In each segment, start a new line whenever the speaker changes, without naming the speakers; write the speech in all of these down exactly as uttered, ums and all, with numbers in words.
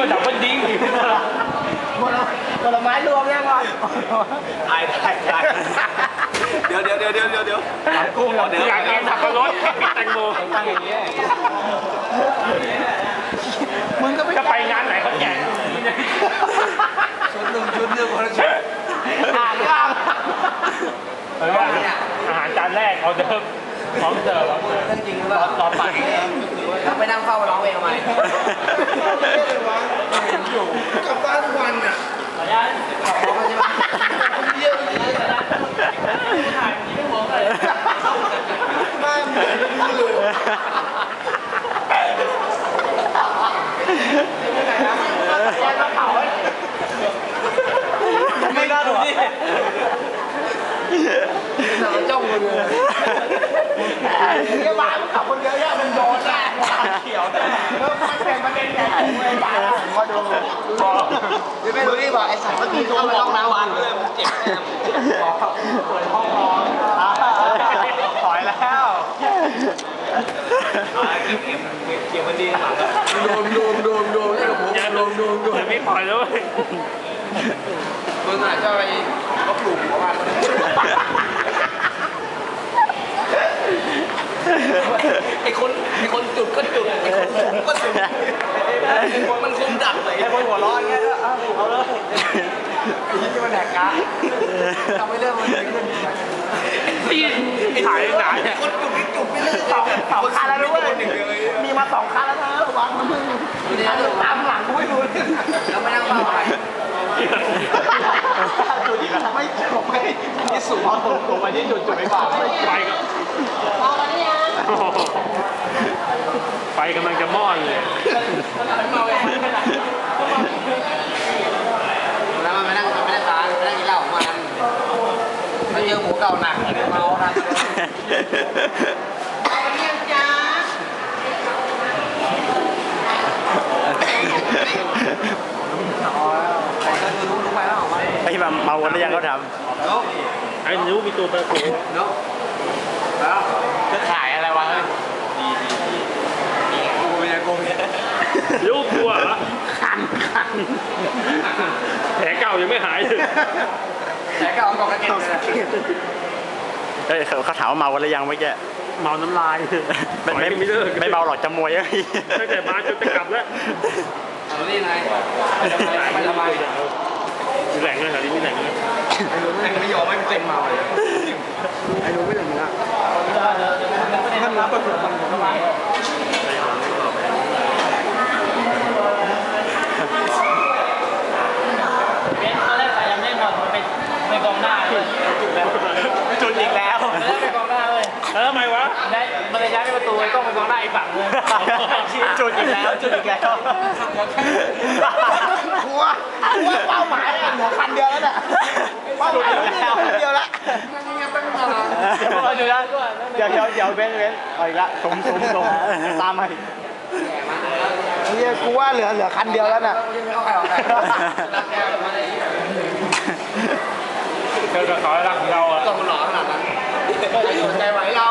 ว่าดับเบิลดิ้ง
ผลไม้รวมยังก่อน
ตายตายตายเดี๋ยวเดี๋ยวเดี๋ยวเดี๋ยวเดี๋ยวเดี๋ยว
กุ้งเดี๋ยวอยากกินสับปะรดแตงโม
ตั้งอย่างนี้มึงก็ไม่
จะไปงานไหนเขาแจก
ชุดหนึ่งชุดหนึ่งคนละชุด
อ่านยัง
อาหารจานแรกเอาเดิมพร้อมเสิร์ฟ
จริงหรือเปล่า
ต่อไป
เราไปนั่งเฝ้าร้องเพลงทำไมกลับบ้านทุกวันอ่ะขออนุญาตขอใช่ไหมเยี่ยมเลยถ่ายไม่มองเลยไม่เหมือนเลยไม่น่าดูดิสาวจ้องเลย
เนี่ยบ้านขับคนเดียวเนี่ยมันโดนแน่เขียวแล้วมันเป็นประเด็นใหญ่เลยบ้านมาดู
ไม่รู้ที่บอกไอ้สัตว์เมื่อกี้ตัวมันร้องน้ำวันเลยมันเจ็บแน่บอกเปิดห้องนอน
ถอยแล้ว
เกี่ยวมันดีมากโดมโดมโดมโดมนี่กับผมโดมโดมโดม
ไม่ปล่อยเลย
มึงอาจจะไปก็ปลูกหัวมันไอ้คนไอ้คนจุดก็จุดไอ้คนจุดก็จุดมันคงดักเลย
ไอ้คนหัวร้อนเงี้ยเอาเลยที่มันแหกกะทำให้เรื่องมันขึ้น
ที่ถ่ายหนาเนี่ย
คนจุดไม่จุดไม่เลิก
สองสองคันแล้วด้วยมีมาสองคันแล้วนะระวังนะมึงตามหลังกูไม่ดู
แล้วไม่นั่งเฝ้าใคร
จุดอีกแล้วไม่จบไม่ที่สูงเอาตรงตรงไปที่จุดจุดไม่บอก
ไปก็ไฟกำลังจะมอดเลย
แล้วมันไม่นั่งไม่ได้ตาไม่ได้กินเหล้าของมันมันเจอหมูเก่าหนักเมาครับ
ไอ้มาเมาวันแล้วยังเขาท
ำไอ้นิ้วมีตัวประตู
เนาะแล้ว
จะถ่ายอะไรวะเฮ้ย
ดีดีดีกูไม่ได้กูเนี่ย
นิ้วกลัวเหรอ
คันคัน
แผลเก่ายังไม่หายเลย
แผลเก่ากองกระเก็ด
เฮ้ยเขาถามว่าเมาวันแล้วยังไม่แก
เมาน้ำลาย
ไม่ไม่ไม่เมาหรอกจะมวยเอ้ย
ตั้งแต่มาจนจะกลับแล้ว
เอานี่ไงไปทำไม
มีแหล่งเลยแถวนี้มีแหล่งเลย
ไอ้ลุงไม่ยอมไม่เป็นเมาเลยไอ้ลุงไม่อย่างนี้ละท่านรับประสบการณ์ของมัน
เป็นตอนแรกสายยังไม่หมดมันเป็นเป็นกองหน้าเลยจุดแล้วจุดอีกแล้วเป็นกองหน้าเลย
เออทำไมวะ
ได้มันเลยย้ายไปประตูไอ้กล้องเป็นกองหน้าอีกฝั่งเลยจุดอีกแล้วจุดอีกแล้วกลัวกลัวเป้าหมายเหลือคันเดียวแล้วน่ะเป้าหมายเหลือคันเดียวแล้วเดี๋ยวนะเดี๋ยวเดี๋ยวเดี๋ยวเว้นเว้นเอาอีกละสมสมสมตามมาเฮียกูว่าเหลือเหลือคันเดียวแล้วน่ะ
เธอจะขอรักเราอ่ะ
ต้องหล่อขนาดนั้นจะอยู่ใจไหวเรา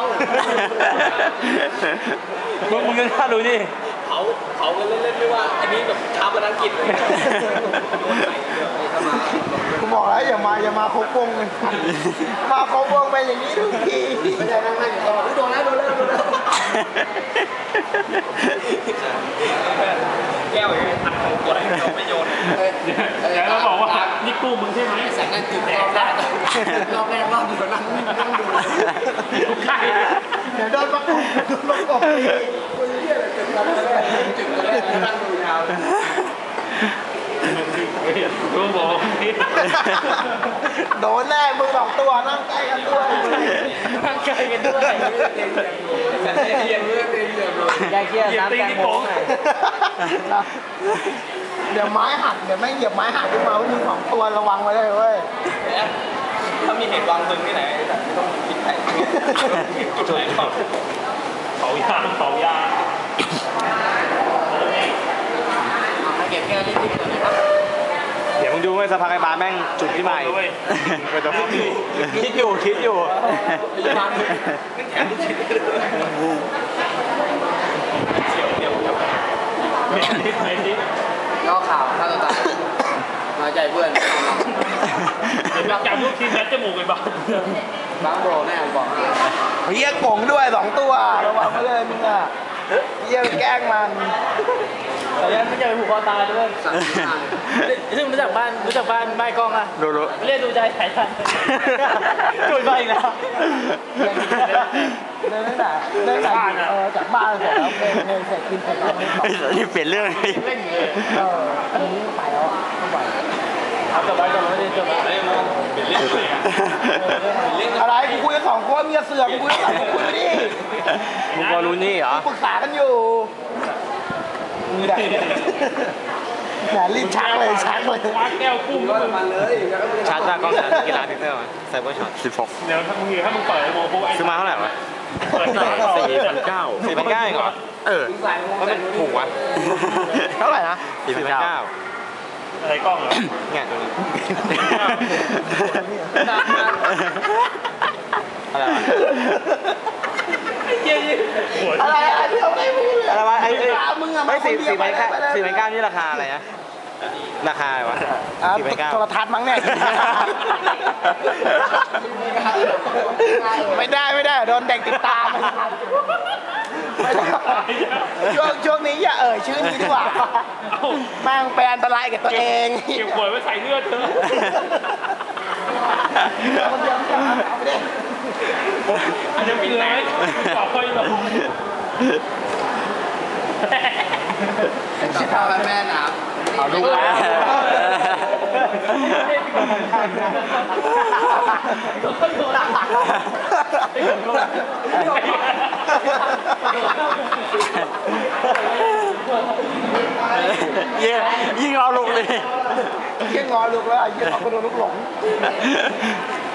มึงมึงก็น่าดูดิ
เขาเขาเล่นเล่นไม่ว่าอันนี้แบบชาวบ้านอังกฤษเลย
กูบอกแล้วอย่ามาอย่ามาโคกงเลยมาโคกงไปอย่างนี้ทุกที
ไม่ได้นั่งนั่งอยู่ตลอดโดนแล้วโดนแล้วโดนแล้วแก้วอย่างนี้อัดเขากดให้เราไม่โยน
แล้วเราบอกว่านี่กู้มึงใช่ไหม
แสงนั่นจุดแดงได้รอบแรกรอบเดียวนั่งนั่งดู
ทุกใคร
เดี๋ยวโดนประกบโดนประกบตี
คนเยี่ยเลยจุดแรกจุดแรกนั่งดูยาว
กูบอก
โดนแน่มึงสองตัวนั่งใกล้กันด้วยนั่งใกล้กันด้วย
เยี่ยมเลยเยี่ยมเลย
แยกเยี่ยมน้ำแกงโม้เดี๋ยวไม้หักเดี๋ยวไม่เหยียบไม้หักขึ้นมาว่ามึงสองตัวระวังไว้เลยเว้ย
ถ้ามีเหตุวางมึงที่ไหนแต่ไม่ต้องคิดแผนจุดไหนก่อน
เผายางเผายาง
เก็บแก้วนิดๆก่อนนะครับ
เดี๋ยวมึงดูไหมสภาไอ้บาแม่งจุดที่ใหม่คิดอยู่คิดอยู่
แขนคิดเดี๋ยวเดี๋ยวเดี๋ยว
ไม่ทิศไม่ทิศ
ย่อข่าวฆ่าตัวตายน้อยใจเพื่อน
เดี๋ยวจับลูกชิ้นยัดจมูกไปบ้าง
บางโบแน่บอก
เฮียกงด้วยสองตัวระวังไว้เลยมึงอ่ะเฮียแกล้งมัน
แต่ยังไม่เจอผูกคอตายด้วย
สั่งที่มา
ซึ่งรู้จักบ้านรู้จักบ้านบ้านกล้องอ่ะ
รู้รู้
เรียกดูใจสายทันจุดไปอีกแล้ว
เดินตั้งแต่เดินตั้งแต่เออจากบ้านเสร็จแล้วเพลงเพลงเสร็จกินเสร็จแล้วไม่ต่อ
นี่เปลี่ยนเรื่องเลย
เล่นเลย
เอออันนี้ไปแล้วอ่ะไม่ไหว
เอาจบไปจบไปจบไป
เป็นเรื่องเลยอ่ะ
อะไรกูคุยกันสองคนมีเสือกกูคุยกันสองคนคุยไปดิ
มึงพอรู้นี่เหรอ
ปรึกษากันอยู่มึงได้แหมรีบชักเลยชักเลย
คว้าแก้วกุ้ง
ก็มันเลย
ชาร์จจากกล้องชาร์จกีฬาพิกเซลไซเบอร์ช็อตสิบหก
เดี๋ยวถ้ามึงถ้ามึงเปิดไอ้โมโหไอ้
ซื้อมาเท่าไหร่วะ
เปิดต่อ
สี่พันเก้าสี่พันเก้าเองเหรอ เออว่ามันถูกวะ
เท่าไหร่นะ
สี่พันเก้า
อะไรกล้องเหรอ
เนี่ยตัวนี้อะไรวะ
หัว
อะไรอะไรที่เราไม่พูดเลย
อะไรวะไอ้ไอ้
ถามมึงอะ
ไม่
มาค
สี่
นเดียว
สี่พันเก้า
ไปเลย
สี่พันเก้านี่ราคาอะไรนะราคาอะไรวะ
อ่า
สี่พันเก้า
โทรทัศน์มั้งเนี่ยไม่ได้ไม่ได้โดนเด็กติดตามไม่ได้ช่วงช่วงนี้อย่าเอ่ยชื่อนี้ดีกว่าแม่งเป็นอันตรายกับตัวเอง
เก็บขวดไว้ใส่เลือดเธอ
คนเดียวไม่ได้เอาไปดิ
อันนี้เป็นไรต่อไปหรอ
ชิดทางแม่น้ำ
เอาลูกแล้ว เยี่ยยิ่งเอาลูกเลย
เยี่ยงงอลูกแล้วเยี่ยงงอคนโดนลูกหลง